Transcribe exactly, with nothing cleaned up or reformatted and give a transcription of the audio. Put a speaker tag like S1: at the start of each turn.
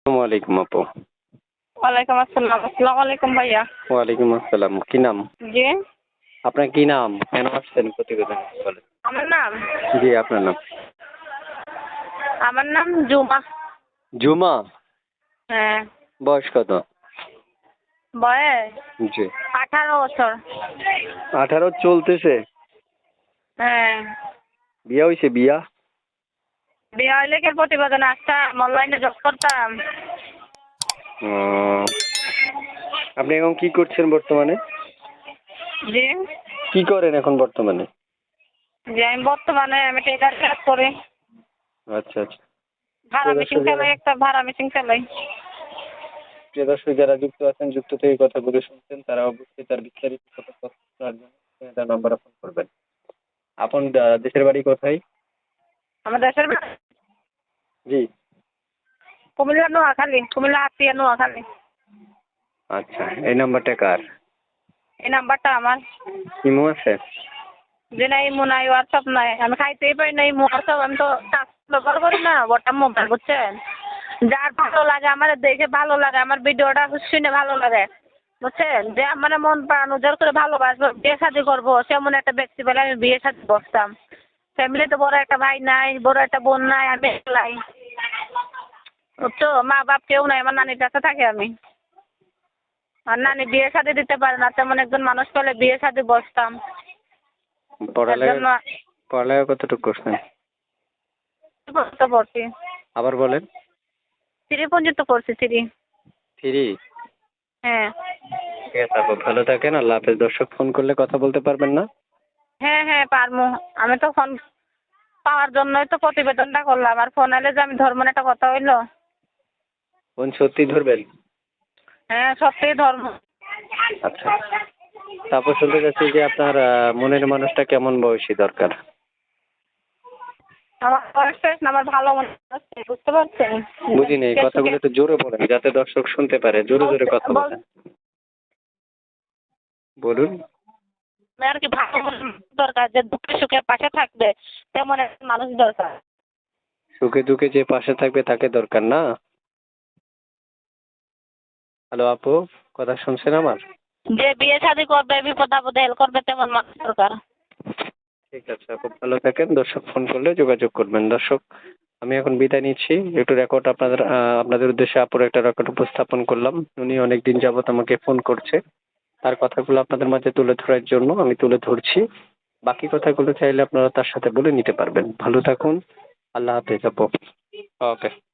S1: আসসালামু আলাইকুম আপু।
S2: ওয়ালাইকুম আসসালাম। আসসালামু আলাইকুম ভাইয়া।
S1: ওয়ালাইকুম আসসালাম। কি নাম?
S2: জি?
S1: আপনার কি নাম? কেন আসছেন প্রতিবেদনে বলেন?
S2: আমার নাম?
S1: জি, আপনার নাম?
S2: আমার নাম জুমা।
S1: জুমা?
S2: হ্যাঁ।
S1: বয়স কত?
S2: বয়স?
S1: জি।
S2: আঠারো বছর।
S1: আঠারো চলতেছে?
S2: হ্যাঁ।
S1: বিয়া হইছে বিয়া?
S2: বিয়ে হইলে কি প্রতিবেদন আসতাম, অনলাইনে জব করতাম।
S1: ও, আপনি এখন কি করছেন বর্তমানে?
S2: জি?
S1: কি করেন এখন বর্তমানে?
S2: জি, আমি বর্তমানে আমি টেলার কাজ করি।
S1: আচ্ছা আচ্ছা।
S2: ভাড়া
S1: প্রিয়
S2: মেশিন
S1: দর্শক যারা
S2: চালাই, একটা ভাড়া মেশিন চালাই।
S1: প্রিয় দর্শক যারা যুক্ত আছেন, যুক্ত থেকে কথাগুলো শুনছেন, তারা অবশ্যই তার বিস্তারিত তথ্য জানার জন্য তার নাম্বারে ফোন করবেন। আপন আহ, দেশের বাড়ি কোথায়?
S2: আমার দেশের বাড়ি
S1: জি।
S2: কুমিল্লা নোয়াখালী, কুমিল্লা আতিয়া নোয়াখালী।
S1: আচ্ছা, এই নাম্বারটা কার?
S2: এই নাম্বারটা আমার।
S1: ইমো আছে?
S2: যে নাই ইমো নাই, হোয়াটসঅ্যাপ নাই, আমি খাইতেই পারি না ইমো হোয়াটসঅ্যাপ, আমি তো টাচ ব্যবহার করি না বটম মোবাইল, বুঝছেন? যার ভালো লাগে আমার দেখে ভালো লাগে, আমার ভিডিওটা শুনে ভালো লাগে, বুঝছেন? যে আমার মন প্রাণ উজাড় করে ভালোবাসবো, বিয়ে শাদী করবো, সেমন একটা ব্যক্তি বলে আমি বিয়ে শাদী বসতাম। ফ্যামিলিতে বড় একটা ভাই নাই, বড় একটা বোন নাই, আমি একলাই, বুঝছো? মা বাপ কেউ নাই, আমার নানির কাছে থাকি আমি। আর নানি বিয়ে শাদী দিতে পারে না, তেমন একজন মানুষ পেলে বিয়ে শাদী বসতাম। এর
S1: পড়ালেখা
S2: জন্য
S1: পড়ালেখা কতটুকু করছেন?
S2: পর্যন্ত পড়ছি।
S1: আবার বলেন।
S2: থ্রি পর্যন্ত পড়ছি, থ্রি।
S1: থ্রি?
S2: হ্যাঁ।
S1: ঠিক আছে আপু, ভালো থাকেন। আল্লাহ হাফেজ। দর্শক ফোন করলে কথা বলতে পারবেন না?
S2: হ্যাঁ হ্যাঁ পারমু। আমি তো ফোন পাওয়ার জন্যই তো প্রতিবেদনটা করলাম, আর ফোন এলে যে আমি ধর্ম একটা কথা হইলো।
S1: ফোন সত্যি ধরবেন?
S2: হ্যাঁ, সত্যিই ধর্ম।
S1: আচ্ছা। তারপর শুনতে চাচ্ছি যে আপনার আহ, মনের মানুষটা কেমন বয়সী দরকার?
S2: আমার বয়স শেষ না, আমার ভালো মনে হচ্ছে, বুঝতে পারছেন?
S1: বুঝিনি, এই কথাগুলো একটু জোরে বলেন যাতে দর্শক শুনতে পারে। জোরে জোরে কথা বলেন। বলুন।
S2: আর কি ভালো মানুষ দরকার, যে দুঃখে সুখে পাশে থাকবে, তেমন একটা মানুষ দরকার।
S1: সুখে দুঃখে যে পাশে থাকবে তাকে দরকার না? হ্যালো আপু, কথা শুনছেন আমার?
S2: যে বিয়ে শাদী করবে, বিপদ আপদে হেল্প করবে, তেমন মানুষ দরকার।
S1: ঠিক আছে আপু, ভালো থাকেন। দর্শক ফোন করলে যোগাযোগ করবেন। দর্শক, আমি এখন বিদায় নিচ্ছি। একটু রেকর্ড আপনাদের আহ, আপনাদের উদ্দেশ্যে আপুর একটা রেকর্ড উপস্থাপন করলাম। উনি অনেক দিন যাবত আমাকে ফোন করছে। তার কথাগুলো আপনাদের মাঝে তুলে ধরার জন্য আমি তুলে ধরছি। বাকি কথাগুলো চাইলে আপনারা তার সাথে বলে নিতে পারবেন। ভালো থাকুন। আল্লাহ হাফেজ আপু। ওকে।